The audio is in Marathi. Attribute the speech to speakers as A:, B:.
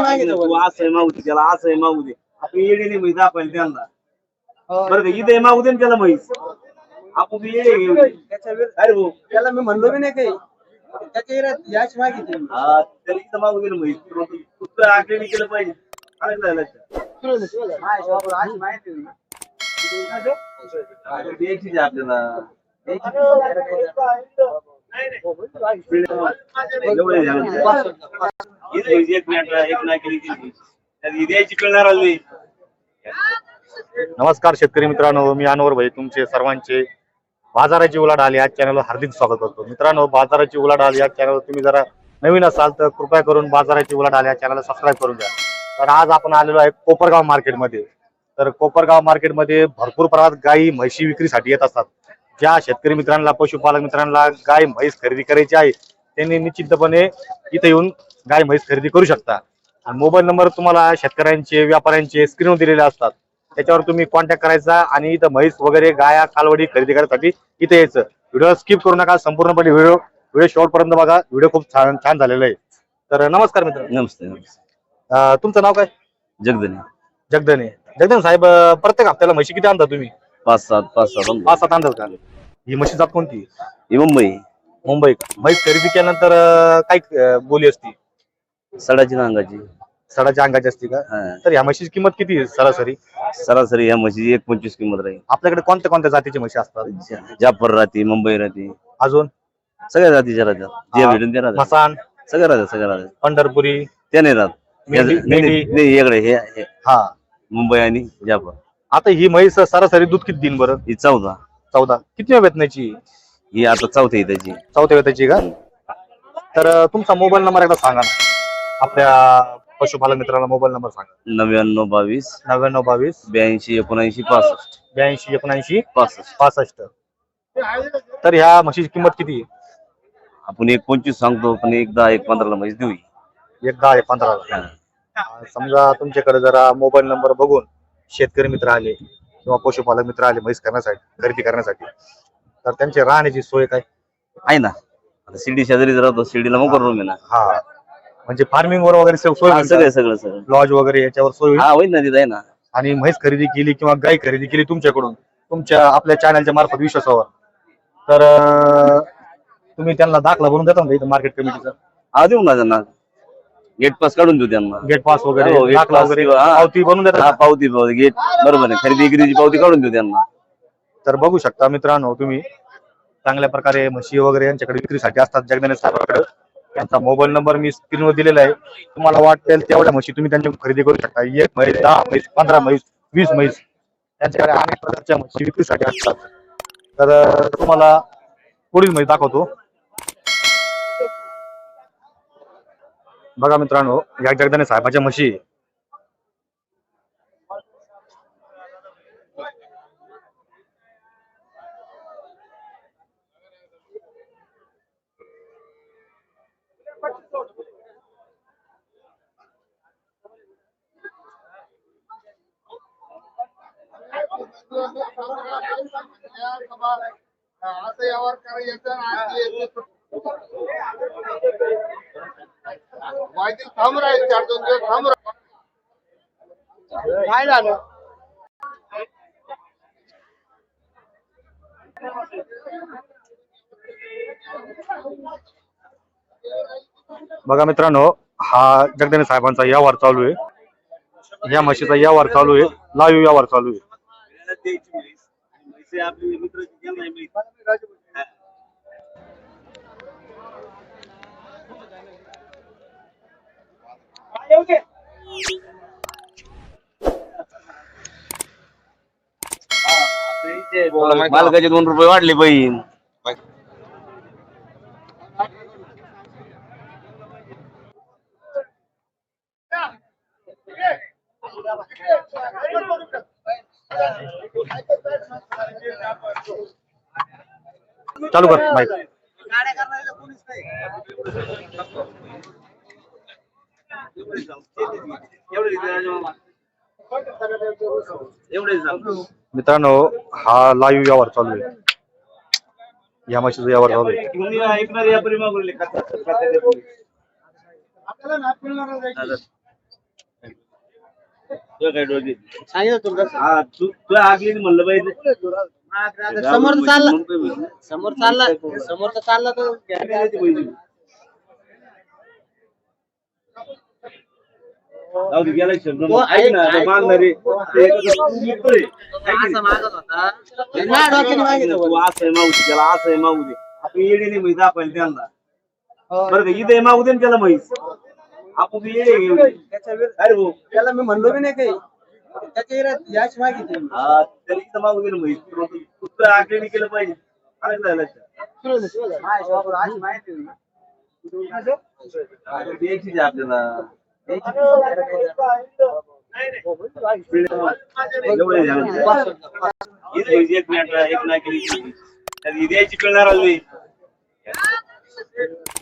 A: तू असं आहे मागू दे त्याला, असं आहे मागू दे. आपण येडे नाही म्हैस दाखवायला त्यांना. बरं का इथे मागू दे ना त्याला म्हैस. आपण येडे घेऊ. अरे भाऊ
B: त्याला मी म्हणलो बी नाही काही. त्याच्या याच मागितली.
A: हा त्याला इथं मागू दे ना म्हैस. पुत्र आकडे केलं पाहिजे. आलं लक्षात.
B: आज माहिती नाही.
A: द्यायची आपल्याला.
C: नमस्कार शेतकरी मित्रांनो, मी अनवर भाई तुमचे सर्वांचे बाजाराची उलाढाल या चॅनलवर हार्दिक स्वागत करतो. मित्रांनो, बाजाराची उलाढाल या चॅनलवर तुम्ही जरा नवीन असाल तर कृपया करून बाजाराची उलाढाल या चॅनलला सबस्क्राईब करून द्या. तर आज आपण आलेलो आहे कोपरगाव मार्केटमध्ये. तर कोपरगाव मार्केटमध्ये भरपूर प्रमाणात गायी म्हशी विक्रीसाठी येत असतात. ज्या शेतकरी मित्रांना, पशुपालक मित्रांना गाय म्हैस खरेदी करायची आहे त्यांनी निश्चितपणे इथे येऊन गाय म्हैस खरेदी करू शकता. आणि मोबाईल नंबर तुम्हाला शेतकऱ्यांचे, व्यापाऱ्यांचे स्क्रीनवर दिलेले असतात. त्याच्यावर तुम्ही कॉन्टॅक्ट करायचा आणि इथं म्हैस वगैरे गाया कालवडी खरेदी करण्यासाठी इथे यायचं. व्हिडिओ स्किप करू नका, संपूर्णपणे व्हिडिओ शेवटपर्यंत बघा. व्हिडिओ खूप छान झालेला आहे. तर नमस्कार मित्र.
A: नमस्ते.
C: तुमचं नाव काय?
A: जगदने.
C: जगदन साहेब, प्रत्येक हप्त्याला म्हशी किती आणता तुम्ही?
A: 5-7
C: आणतात का? ही म्हशी जात कोणती?
A: ही
C: मुंबई का? म्हैस खरेदी केल्यानंतर काय बोली असती?
A: सडाची अंगाची.
C: सडाच्या अंगाची असते का? तर ह्या म्हशीची किंमत किती आहे सरासरी?
A: या म्हशीची 1.25 किंमत राहील.
C: आपल्याकडे कोणत्या कोणत्या जातीची म्हशी असतात?
A: जाफर राहते, मुंबई राहते,
C: अजून
A: सगळ्या जातीच्या राहतात. जे भेटून ते राहतात.
C: मसान,
A: सगळ्या राहतात.
C: पंढरपुरी,
A: ते नाही राहत.
C: मेंढी.
A: नाही वेगळे हे
C: हा.
A: मुंबई आणि जाफर.
C: आता ही म्हैस सरासरी दूध किती दिन बरं?
A: ही 14.
C: 14. किती वेतनाची?
A: ही आता 4थी त्याची.
C: 4थ्या वेताची का? तर तुमचा मोबाईल नंबर एकदा सांगा ना, आपल्या पशुपालक मित्रांना मोबाईल नंबर सांगा.
A: 9922
C: 9922
A: 82 79 65.
C: 82 79
A: 65.
C: 65. तर ह्या म्हशीची किंमत किती आहे?
A: आपण 1.25 सांगतो, पण 1.10-1.15 म्हैस देऊ.
C: 10 15. समजा तुमच्याकडे जरा मोबाईल नंबर बघून शेतकरी मित्र आले किंवा पशुपालक मित्र आले म्हैस करण्यासाठी, खरेदी करण्यासाठी, तर त्यांची राहण्याची सोय काय
A: आहे ना? आता शिर्डी शेजारीच राहतो. शिर्डीला मग रूम आहे ना.
C: हा, म्हणजे फार्मिंग वर वगैरे सोय
A: सगळं
C: लॉज वगैरे याच्यावर सोय
A: हा होईल ना, तिथं आहे ना.
C: आणि म्हैस खरेदी केली किंवा गाय खरेदी केली तुमच्याकडून, तुमच्या आपल्या चॅनलच्या मार्फत विश्वासावर, तर तुम्ही त्यांना दाखला बनवून देता ना इथं मार्केट कमिटीचा?
A: हा देऊ ना त्यांना. गेट पास काढून देऊ त्यांना.
C: गेट पास वगैरे,
A: हो,
C: दाखला वगैरे, पावती बनवून देता?
A: हा, पावती गेट बरोबर आहे. खरेदी विक्रीची पावती काढून देऊ त्यांना.
C: तर बघू शकता मित्रांनो, तुम्ही चांगल्या प्रकारे म्हशी वगैरे यांच्याकडे विक्रीसाठी असतात जगदाने साहेबांकडे. त्यांचा मोबाईल नंबर मी स्क्रीनवर दिलेला आहे. तुम्हाला वाटेल तेवढ्या म्हशी तुम्ही त्यांच्याकडून खरेदी करू शकता. 1 म्हैस, 10 म्हैस, 15 म्हैस, 20 म्हैस, त्यांच्याकडे अनेक प्रकारच्या म्हशी विक्रीसाठी असतात. तर तुम्हाला पुढील म्हैस दाखवतो. बघा मित्रांनो, या जगदाने साहेबाच्या म्हशी.
B: काय झालं?
C: बघा मित्रांनो, हा जगदाने साहेबांचा व्यवहार चालू आहे. या म्हशीचा व्यवहार चालू आहे, लाईव्ह व्यवहार चालू आहे.
A: मालकाचे 2 रुपये वाढले बहीण.
C: चालू कर माईक. मित्रांनो, हा लाईव्ह व्यवहार चालू आहे. या म्हशीचा व्यवहार चालू आहे.
A: तुला काय डोळे
B: सांगितलं तुला
A: हा तू आगली म्हणलं पाहिजे
B: समोर चालला समोर चालला तर
A: जाऊ दे, गेला शब्द
B: हो,
A: ऐक ना
B: ऐक.
A: मागणारे ते कसं मित्र आहे.
B: असं मागत होता माझ्या डोक्याने मागितलं
A: तू असं आहे मागू दे त्याला असं आहे मागू दे आपण येडे नाही म्हैस दाखवायला त्यांना बरं का इथे मागू दे ना त्याला म्हैस आपण येडे घेऊ
B: त्याच्या विरुद्ध-
A: अरे भाऊ
B: त्याला मी म्हणलो बी नाही काही त्याच्या विरोधात याच मागितली
A: हा त्याला इथं मागू दे ना म्हैस पुत्र आकडे केलं पाहिजे आलं का लक्षात?
B: अशी माहिती होती.
A: द्यायचीच आहे आपल्याला एवढे झाले. इथे म्हैस एक मिनिट एक नाही केली द्यायची पिळणार आली